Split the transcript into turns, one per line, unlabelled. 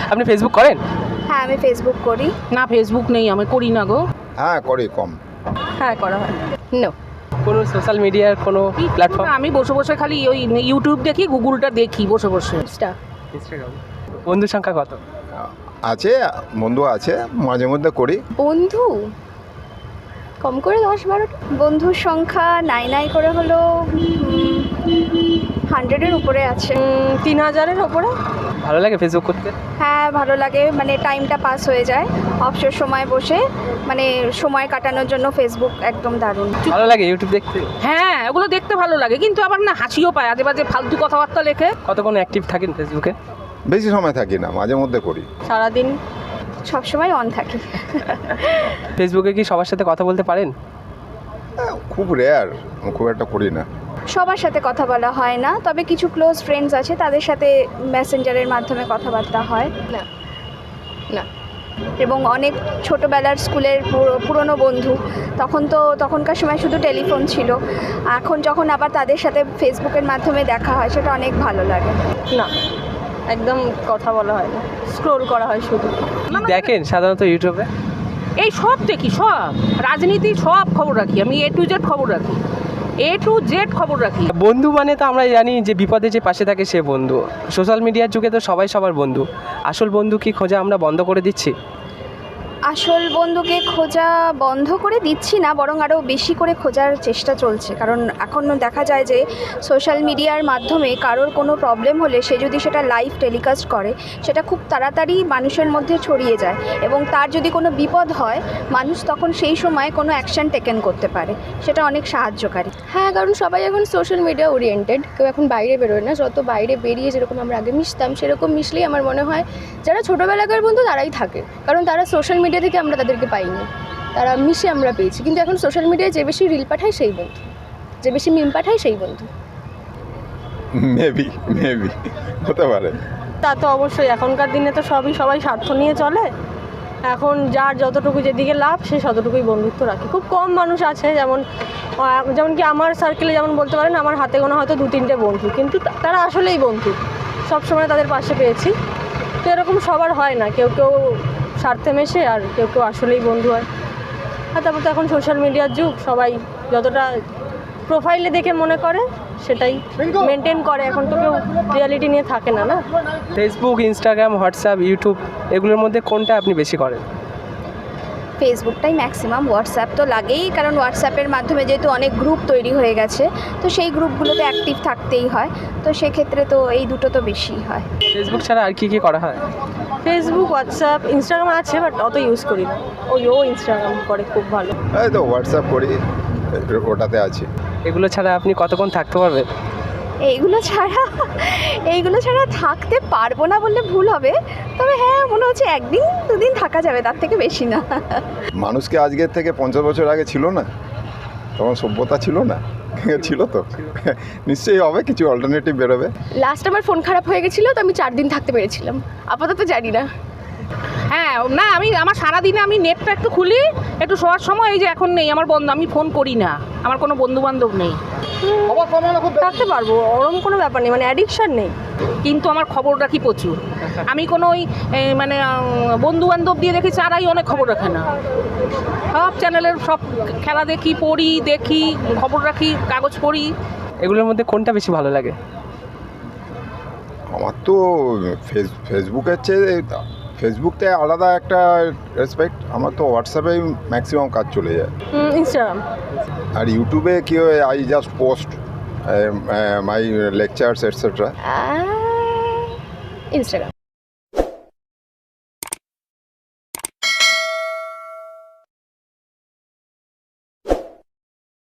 আপনি ফেসবুক করেন?
হ্যাঁ, আমি ফেসবুক করি।
না, ফেসবুক নেই, আমি করি না গো।
হ্যাঁ করি, কম।
হ্যাঁ, করা হয়। নো।
কোনো সোশ্যাল মিডিয়ার কোনো প্ল্যাটফর্ম?
আমি বসে বসে খালি ওই ইউটিউব দেখি, গুগলটা দেখি বসে বসে।
ইনস্টাগ্রাম। বন্ধুর সংখ্যা কত?
আছে, বন্ধু আছে, মাঝে মধ্যে করি।
বন্ধু কম করে 10-12টা। বন্ধুর সংখ্যা নাই করে হলো 100-এর উপরে আছে।
3000-এর ওপরে।
ভালো লাগে ফেসবুক করতে?
হ্যাঁ, ভালো লাগে, মানে টাইমটা পাস হয়ে যায় অবসর সময় বসে, মানে সময় কাটানোর জন্য ফেসবুক একদম দারুণ।
ভালো লাগে ইউটিউব দেখতে?
হ্যাঁ, ওগুলো দেখতে ভালো লাগে, কিন্তু আবার না হাসিও পায়, আজে বাজে ফালতু কথাবার্তা লেখে।
কতক্ষণ অ্যাক্টিভ থাকেন ফেসবুকে?
বেশি সময় থাকি না, মাঝে মধ্যে করি।
সারাদিন
সবসময় অন থাকি।
ফেসবুকে কি সবার সাথে কথা বলতে পারেন?
খুব রেয়ার, খুব একটা করি না।
সবার সাথে কথা বলা হয় না, তবে কিছু ক্লোজ ফ্রেন্ডস আছে, তাদের সাথে মেসেঞ্জারের মাধ্যমে কথাবার্তা হয়। না না এবং অনেক ছোটোবেলার স্কুলের পুরনো বন্ধু, তখনকার সময় শুধু টেলিফোন ছিল, এখন যখন আবার তাদের সাথে ফেসবুকের মাধ্যমে দেখা হয়, সেটা অনেক ভালো লাগে।
না, একদম কথা বলা হয় না, স্ক্রোল করা হয় শুধু।
কি দেখেন সাধারণত ইউটিউবে?
এই সব দেখি, সব রাজনীতি সব খবর রাখি আমি, A to Z খবর রাখি, A to Z খবর রাখি।
বন্ধু মানে তো আমরা জানি যে বিপদে যে পাশে থাকে সে বন্ধু। সোশ্যাল মিডিয়ার যুগে তো সবাই সবার বন্ধু। আসল বন্ধু কি খোঁজা আমরা বন্ধ করে দিচ্ছি?
আসল বন্ধুকে খোঁজা বন্ধ করে দিচ্ছি না, বরং আরও বেশি করে খোঁজার চেষ্টা চলছে। কারণ এখন দেখা যায় যে সোশ্যাল মিডিয়ার মাধ্যমে কারোর কোনো প্রবলেম হলে সে যদি সেটা লাইভ টেলিকাস্ট করে, সেটা খুব তাড়াতাড়ি মানুষের মধ্যে ছড়িয়ে যায়, এবং তার যদি কোনো বিপদ হয়, মানুষ তখন সেই সময় কোনো অ্যাকশন টেকেন করতে পারে, সেটা অনেক সাহায্যকারী।
হ্যাঁ, কারণ সবাই এখন সোশ্যাল মিডিয়া ওরিয়েন্টেড, কেউ এখন বাইরে বেরোয় না। যত বাইরে বেরিয়ে যেরকম আমরা আগে মিশতাম, সেরকম মিশলেই আমার মনে হয় যারা ছোটোবেলাকার বন্ধু তারাই থাকে, কারণ তারা সোশ্যাল মিডিয়া থেকে আমরা তাদেরকে পাইনি, তারা মিশে আমরা পেয়েছি। কিন্তু এখন সোশ্যাল মিডিয়ায় যে বেশি রিল পাঠায় সেই বন্ধু, যে বেশি মিম পাঠায় সেই বন্ধু।
মেবি হতে পারে।
তা তো অবশ্যই, এখনকার দিনে তো সবাই স্বার্থ নিয়ে চলে। এখন যার যতটুকু যেদিকে লাভ সে ততটুকুই বন্ধুত্ব রাখে। খুব কম মানুষ আছে, যেমন কি আমার সার্কেলে যেমন বলতে পারেন আমার হাতে গোনা হয়তো 2-3টে বন্ধু, কিন্তু তারা আসলেই বন্ধু, সবসময় তাদের পাশে পেয়েছি। তো এরকম সবার হয় না, কেউ স্বার্থে মেশে আর কেউ আসলেই বন্ধু হয়। আর তারপর তো এখন সোশ্যাল মিডিয়ার যুগ, সবাই যতটা প্রোফাইলে দেখে মনে করে সেটাই মেনটেন করে, এখন তো কেউ রিয়ালিটি নিয়ে থাকে না।
ফেসবুক, ইনস্টাগ্রাম, হোয়াটসঅ্যাপ, ইউটিউব এগুলোর মধ্যে কোনটা আপনি বেশি করেন?
ফেসবুকটাই ম্যাক্সিমাম, হোয়াটসঅ্যাপ তো লাগেই, কারণ হোয়াটসঅ্যাপের মাধ্যমে যেহেতু অনেক গ্রুপ তৈরি হয়ে গেছে, তো সেই গ্রুপগুলোতে অ্যাক্টিভ থাকতেই হয়, তো সেক্ষেত্রে তো এই দুটো তো বেশিই হয়।
ফেসবুক ছাড়া আর কি করা হয়?
ফেসবুক, হোয়াটসঅ্যাপ, ইনস্টাগ্রাম আছে, বাট অত ইউজ করি না। ও ইনস্টাগ্রাম করে খুব ভালো।
এই তো হোয়াটসঅ্যাপ করি, ওটাতে আছি।
এগুলো ছাড়া আপনি কতক্ষণ থাকতে পারবেন?
এইগুলো ছাড়া থাকতে পারবো না বললে ভুল হবে, তবে হ্যাঁ মনে হচ্ছে 1-2 দিন থাকা যাবে, তার থেকে বেশি না।
মানুষকে আজকের থেকে 50 বছর আগে ছিল না, তখন সভ্যতা ছিল না, ছিল তো নিশ্চয়ই হবে, কিছু অল্টারনেটিভ বেরোবে।
লাস্ট আমার ফোন খারাপ হয়ে গেছিলো, তো আমি 4 দিন থাকতে পেরেছিলাম, আপাতত জানি না।
হ্যাঁ, না আমার সারাদিনে আমি নেটটা একটু খুলি, একটু শোয়ার সময়, এই যে এখন নেই আমার বন্ধ, আমি ফোন করি না, আমার কোনো বন্ধু বান্ধব নেই।
থাকতে পারবো, ওরকম কোনো ব্যাপার নেই, মানে অ্যাডিকশান নেই।
কিন্তু আমার খবর রাখি প্রচুর। আমি কোনো ওই মানে বন্ধু বান্ধব দিয়ে দেখি, চারাই অনেক খবর রাখে না। সব চ্যানেলের সব খেলা দেখি, পড়ি, দেখি, খবর রাখি, কাগজ পড়ি।
এগুলোর মধ্যে কোনটা বেশি ভালো লাগে?
আমার তো ফেসবুকের চেয়ে ফেসবুকটায় আলাদা একটা রেসপেক্ট। আমার তো হোয়াটসঅ্যাপেই ম্যাক্সিমাম কাজ চলে যায়,
ইনস্টাগ্রাম।
আর ইউটিউবে কি হয়, I just post my lectures etcetera.
Instagram.